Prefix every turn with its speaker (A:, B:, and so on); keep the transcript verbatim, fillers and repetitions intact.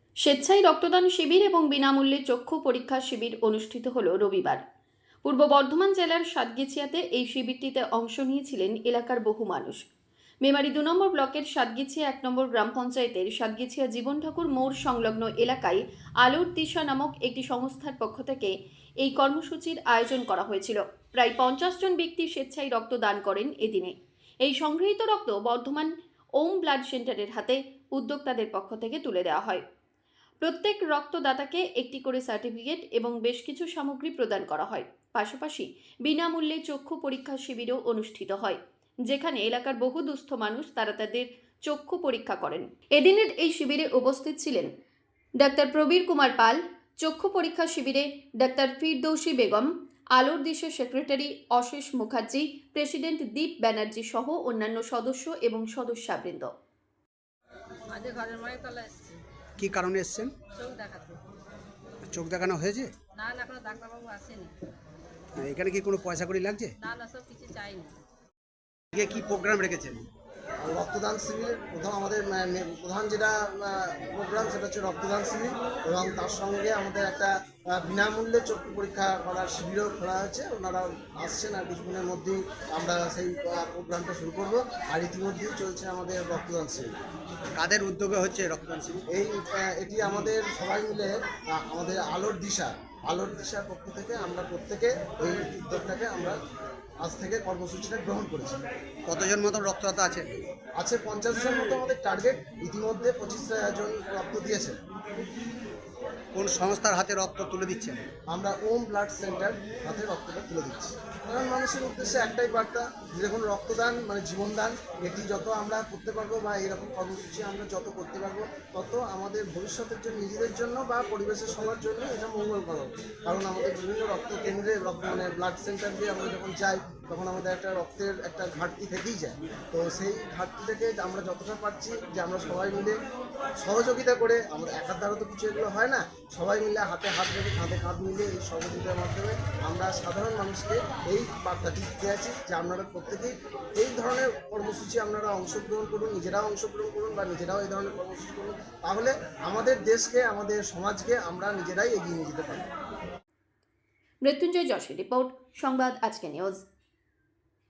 A: স্বেচ্ছায় রক্তদান শিবির এবং বিনামূল্যে চক্ষু পরীক্ষা শিবির অনুষ্ঠিত হল রবিবার। পূর্ব বর্ধমান জেলার সাতগিছিয়াতে এই শিবিরটিতে অংশ নিয়েছিলেন এলাকার বহু মানুষ। মেমারি দু নম্বর ব্লকের সাতগিছিয়া এক নম্বর গ্রাম পঞ্চায়েতের সাতগিছিয়া জীবন ঠাকুর মোড় সংলগ্ন এলাকায় আলোর দিশা নামক একটি সংস্থার পক্ষ থেকে এই কর্মসূচির আয়োজন করা হয়েছিল। প্রায় পঞ্চাশ জন ব্যক্তি স্বেচ্ছায় রক্তদান করেন এদিনে। এই সংগৃহীত রক্ত বর্ধমান ওম ব্লাড সেন্টারের হাতে উদ্যোক্তাদের পক্ষ থেকে তুলে দেওয়া হয়। প্রত্যেক রক্তদাতাকে একটি করে সার্টিফিকেট এবং বেশ কিছু সামগ্রী প্রদান করা হয়। পাশাপাশি বিনামূল্যে চক্ষু পরীক্ষা শিবিরও অনুষ্ঠিত হয়, যেখানে এলাকার বহু দুস্থ মানুষ তারা তাদের চক্ষু পরীক্ষা করেন। এদিনের এই শিবিরে উপস্থিত ছিলেন ডাক্তার প্রবীর কুমার পাল, চক্ষু পরীক্ষা শিবিরে ডাক্তার ফিরদৌসী বেগম, আলোর দিশের সেক্রেটারি অশেষ মুখার্জি, প্রেসিডেন্ট দীপ ব্যানার্জি সহ অন্যান্য সদস্য এবং সদস্যবৃন্দ।
B: কি কারণে এসেছেন?
C: চোখ দেখাতে।
B: চোখ দেখানো হয়েছে?
C: না না, এখনো ডাক্তারবাবু আসেনি।
B: এখানে কি কোনো পয়সা কড়ি লাগছে?
C: না না, সব কিছু চাইনি।
B: আজকে কি প্রোগ্রাম রেখেছেন?
D: রক্তদান শিবির প্রথম আমাদের মে- প্রধান যেটা প্রোগ্রাম সেটা হচ্ছে রক্তদান শিবির, এবং তার সঙ্গে আমাদের একটা আহ, বিনামূল্যে চক্ষু পরীক্ষা করার শিবিরও খোলা হয়েছে। ওনারা আসছেন আর কিছুদিনের মধ্যেই আমরা সেই আহ, প্রোগ্রামটা শুরু করব। আর ইতিমধ্যেই চলছে আমাদের রক্তদান শিবির।
B: কাদের উদ্যোগে হচ্ছে রক্তদান শিবির?
D: এই আহ, এটি আমাদের সবাই মিলে আহ, আমাদের আলোর দিশা আলোর দিশার পক্ষ থেকে আমরা প্রত্যেকে এই উদ্যোগটাকে আমরা আজ থেকে কর্মসূচিটা গ্রহণ করেছি।
B: কতজন মতন রক্তদাতা আছে?
D: আছে পঞ্চাশ জন মতো আমাদের টার্গেট। ইতিমধ্যে পঁচিশ জন রক্ত দিয়েছে।
B: কোন সংস্থার হাতে রক্ত তুলে দিচ্ছেন?
D: আমরা ওম ব্লাড সেন্টার হাতে রক্তটা তুলে দিচ্ছি। কারণ মানুষের উদ্দেশ্যে একটাই বার্তা, যে দেখুন রক্তদান মানে জীবনদান। এটি যত আমরা করতে পারবো বা এরকম কর্মসূচি আমরা যত করতে পারবো, তত আমাদের ভবিষ্যতের জন্য, নিজেদের জন্য বা পরিবেশের সবার জন্য এটা মঙ্গলকর হবে। কারণ আমাদের বিভিন্ন রক্ত কেন্দ্রে রক্ত মানে ব্লাড সেন্টার দিয়ে আমরা যখন যাই, তখন আমাদের একটা রক্তের একটা ঘাটতি থেকেই যায়। তো সেই ঘাটতি থেকে আমরা যতটা পারছি যে আমরা সবাই মিলে সহযোগিতা করে, আমরা একার দ্বারা তো কিছু এগুলো হয় না, সবাই মিলে হাতে হাত রেখে কাঁধে কাঁধ মিলে এই সহযোগিতার মাধ্যমে আমরা সাধারণ মানুষকে এই বার্তাটি দিতে আছি যে আপনারা প্রত্যেকেই এই ধরনের কর্মসূচি আপনারা অংশগ্রহণ করুন, নিজেরাও অংশগ্রহণ করুন বা নিজেরাও এই ধরনের কর্মসূচি করুন। তাহলে আমাদের দেশকে, আমাদের সমাজকে আমরা নিজেরাই এগিয়ে নিয়ে যেতে পারব।
A: মৃত্যুঞ্জয় যশের রিপোর্ট, সংবাদ আজকে নিউজ।